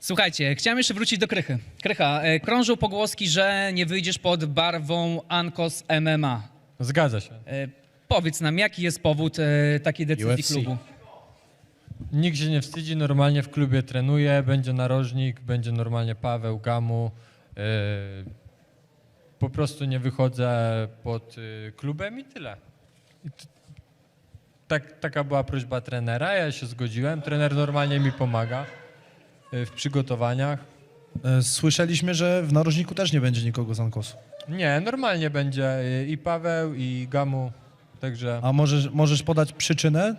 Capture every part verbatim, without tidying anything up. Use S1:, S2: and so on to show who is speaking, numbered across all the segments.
S1: Słuchajcie, chciałem jeszcze wrócić do Krychy. Krycha, e, krążą pogłoski, że nie wyjdziesz pod barwą Ankos M M A.
S2: Zgadza się.
S1: E, powiedz nam, jaki jest powód e, takiej decyzji
S3: U F C.
S1: klubu?
S2: Nikt się nie wstydzi, normalnie w klubie trenuje, będzie narożnik, będzie normalnie Paweł, Gamu. Yy, po prostu nie wychodzę pod y, klubem i tyle. I t- tak, taka była prośba trenera, ja się zgodziłem. Trener normalnie mi pomaga y, w przygotowaniach.
S3: E, Słyszeliśmy, że w narożniku też nie będzie nikogo z Ankosu.
S2: Nie, normalnie będzie y, i Paweł, i Gamu, także...
S3: A możesz, możesz podać przyczynę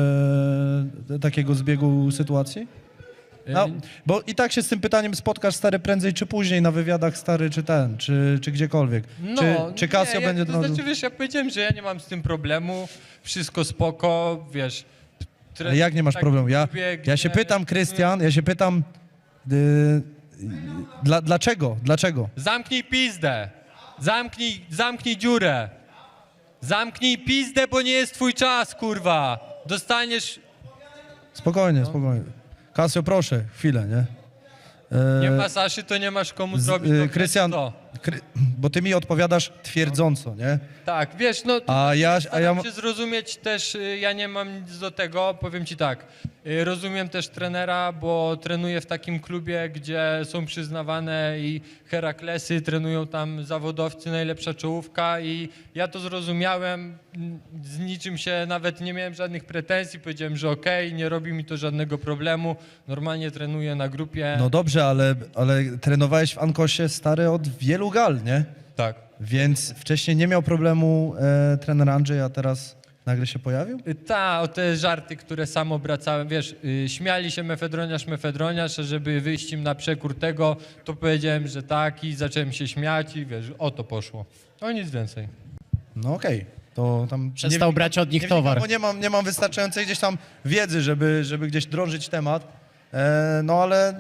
S3: e, takiego zbiegu sytuacji? No,
S2: y,
S3: bo i tak się z tym pytaniem spotkasz, stary, prędzej czy później na wywiadach, stary, czy ten, czy, czy gdziekolwiek.
S2: No,
S3: czy, czy Casio
S2: nie,
S3: będzie...
S2: Ja, to znaczy, wiesz, ja powiedziałem, że ja nie mam z tym problemu, wszystko spoko, wiesz. tre-
S3: Ale jak nie masz
S2: tak
S3: problemu? Ja,
S2: lubię,
S3: ja się
S2: gdzie-
S3: pytam, Krystian, ja się pytam, y, dla, dlaczego, dlaczego?
S2: Zamknij pizdę, zamknij, zamknij dziurę, zamknij pizdę, bo nie jest twój czas, kurwa. Dostaniesz,
S3: Spokojnie,
S2: No.
S3: spokojnie. Casio, proszę, chwilę, nie? E,
S2: nie ma Saszy, to nie masz komu
S3: z-
S2: zrobić.
S3: y,
S2: to
S3: Krystian,
S2: to.
S3: Kry, bo ty mi odpowiadasz twierdząco, nie?
S2: Tak, wiesz, no...
S3: A ja, a ja,
S2: Staram się zrozumieć też, y, ja nie mam nic do tego, powiem ci tak, y, rozumiem też trenera, bo trenuję w takim klubie, gdzie są przyznawane i Heraklesy, trenują tam zawodowcy, najlepsza czołówka i ja to zrozumiałem, n- z niczym się nawet nie miałem żadnych pretensji, powiedziałem, że okej, nie robi mi to żadnego problemu, normalnie trenuję na grupie.
S3: no dobrze, ale, ale trenowałeś w Ankosie, stary, od wielu gal, nie?
S2: Tak.
S3: Więc wcześniej nie miał problemu e, trener Andrzej, a teraz nagle się pojawił?
S2: Y, Ta, o te żarty, które sam obracałem, wiesz, y, śmiali się mefedroniarz, mefedroniarz, a żeby wyjść im na przekór tego, to powiedziałem, że tak i zacząłem się śmiać i wiesz, o to poszło. O nic więcej.
S3: No okej, to tam...
S4: Przestał
S3: nie,
S4: brać od nich
S3: nie
S4: towar.
S3: Wnikam, bo nie mam, nie mam wystarczającej gdzieś tam wiedzy, żeby, żeby gdzieś drążyć temat, e, no ale...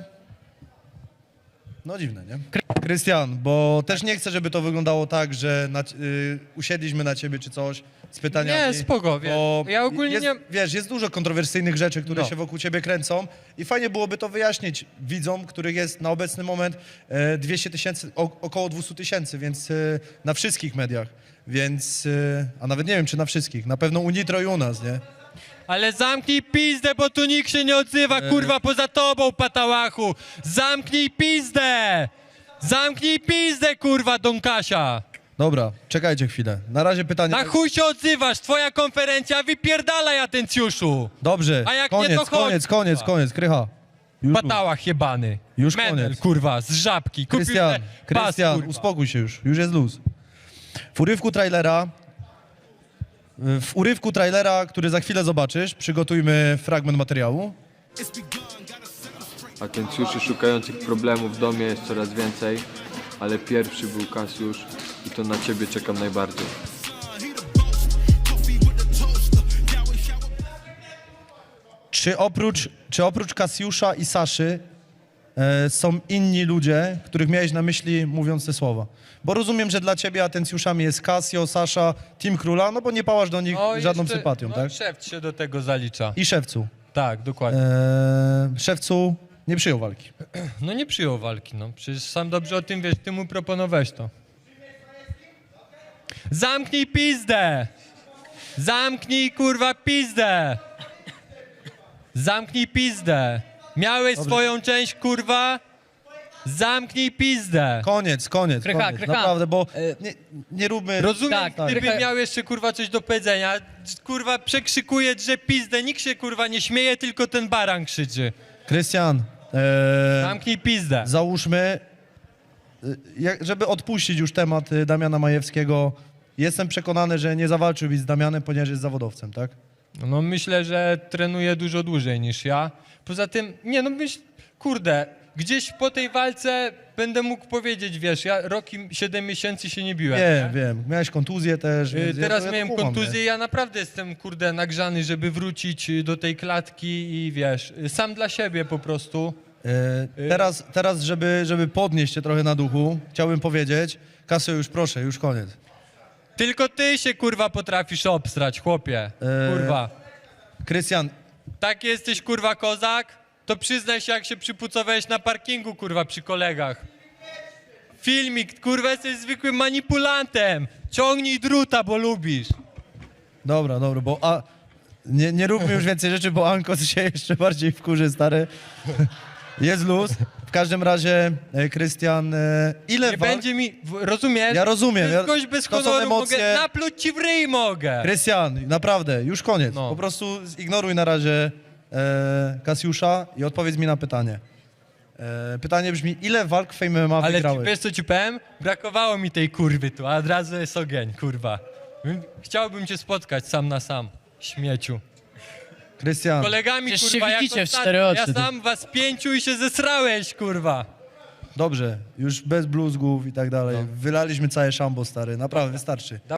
S3: No dziwne, nie? Krystian, bo też nie chcę, żeby to wyglądało tak, że na, y, usiedliśmy na ciebie czy coś z pytaniami.
S2: Nie, spoko, wiesz,
S3: bo
S2: ja ogólnie
S3: jest,
S2: nie-
S3: Wiesz, jest dużo kontrowersyjnych rzeczy, które
S2: No.
S3: się wokół ciebie kręcą i fajnie byłoby to wyjaśnić widzom, których jest na obecny moment e, dwieście tysięcy, o, około dwieście tysięcy, więc e, na wszystkich mediach, więc, e, a nawet nie wiem, czy na wszystkich, na pewno u Nitro i u nas, nie?
S2: Ale zamknij pizdę, bo tu nikt się nie odzywa, kurwa, poza tobą, patałachu! Zamknij pizdę! Zamknij pizdę, kurwa, Don Kasia!
S3: Dobra, czekajcie chwilę. Na razie pytanie...
S2: Na chuj się odzywasz, twoja konferencja, wypierdalaj, Atencjuszu!
S3: Dobrze,
S2: A jak nie,
S3: koniec,
S2: to chodź,
S3: koniec, koniec,
S2: kurwa.
S3: koniec, Krycha. Już,
S2: Patałach jebany.
S3: Już
S2: Menel,
S3: koniec.
S2: kurwa, z żabki. Kupił
S3: Krystian,
S2: te pas,
S3: Krystian,
S2: kurwa.
S3: uspokój się już, już jest luz. W urywku trailera, w urywku trailera, który za chwilę zobaczysz, przygotujmy fragment materiału.
S5: Atencjuszy szukających problemów w domie jest coraz więcej, ale pierwszy był Kasiusz i to na ciebie czekam najbardziej.
S3: Czy oprócz, czy oprócz Kasiusza i Saszy e, są inni ludzie, których miałeś na myśli mówiąc te słowa? Bo rozumiem, że dla ciebie atencjuszami jest Casio, Sasza, Team Króla, no bo nie pałasz do nich
S2: No,
S3: żadną
S2: jeszcze-
S3: sympatią,
S2: no,
S3: tak?
S2: Szewc się do tego zalicza.
S3: I Szewcu.
S2: Tak, dokładnie.
S3: E, Szewcu nie przyjął walki.
S2: No nie przyjął walki, no. Przecież sam dobrze o tym wiesz, ty mu proponowałeś to. Zamknij pizdę! Zamknij, kurwa, pizdę! Zamknij pizdę! Miałeś swoją część, kurwa? Zamknij pizdę!
S3: Koniec, koniec,
S1: Krycha,
S3: koniec.
S1: Krycha.
S3: Naprawdę, bo
S1: E,
S3: nie, nie róbmy...
S2: Rozumiem,
S1: Tak,
S2: gdyby
S1: tak.
S2: miał jeszcze, kurwa, coś do powiedzenia. Kurwa, przekrzykuje, że pizdę. Nikt się, kurwa, nie śmieje, tylko ten baran krzyczy.
S3: Krystian, e,
S2: Zamknij pizdę.
S3: załóżmy, y, jak, żeby odpuścić już temat y, Damiana Majewskiego, jestem przekonany, że nie zawalczyłbyś z Damianem, ponieważ jest zawodowcem, tak?
S2: No myślę, że trenuje dużo dłużej niż ja. Poza tym, nie no myśl, kurde, gdzieś po tej walce będę mógł powiedzieć, wiesz, ja rok i siedem miesięcy się nie biłem.
S3: Wiem, wiem. Miałeś kontuzję też.
S2: Y,
S3: więc ja
S2: Teraz
S3: to- ja to
S2: miałem
S3: kumam,
S2: kontuzję,
S3: nie?
S2: ja naprawdę jestem, kurde, nagrzany, żeby wrócić y, do tej klatki i wiesz, y, sam dla siebie po prostu.
S3: E, teraz, teraz żeby, żeby podnieść cię trochę na duchu, chciałbym powiedzieć, Kasio, już proszę, już koniec.
S2: Tylko ty się, kurwa, potrafisz obstrać, chłopie.
S3: Eee.
S2: Kurwa.
S3: Krystian,
S2: Tak jesteś, kurwa, kozak? to przyznaj się, jak się przypucowałeś na parkingu, kurwa, przy kolegach. Filmik, kurwa, jesteś zwykłym manipulantem. Ciągnij druta, bo lubisz.
S3: Dobra, dobra, bo a, nie, nie róbmy już więcej rzeczy, bo Ankos się jeszcze bardziej wkurzy, stary. Jest luz. W każdym razie, e, Krystian, e, ile
S2: Nie
S3: walk...
S2: będzie mi, w- rozumiesz?
S3: Ja rozumiem,
S2: To jest
S3: ja-
S2: gość bez
S3: to są
S2: honoru,
S3: emocje.
S2: mogę napluć ci w ryj mogę.
S3: Krystian, naprawdę, już koniec.
S2: No.
S3: Po prostu zignoruj na razie e, Kasiusza i odpowiedz mi na pytanie. E, pytanie brzmi, ile walk w Fame M M A
S2: Ale ci,
S3: wygrałeś?
S2: wiesz co ci powiem? Brakowało mi tej kurwy tu, a od razu jest ogień, kurwa. Chciałbym cię spotkać sam na sam, śmieciu.
S3: Krystian,
S2: Kolegami,
S4: Przecież
S2: kurwa,
S4: się
S2: jak
S4: widzicie w
S2: ostatnio.
S4: cztery oczy,
S2: Ja
S4: ty.
S2: sam was pięciu i się zesrałeś, kurwa.
S3: dobrze, już bez bluzgów i tak dalej. Wylaliśmy całe szambo, stary, naprawdę, wystarczy.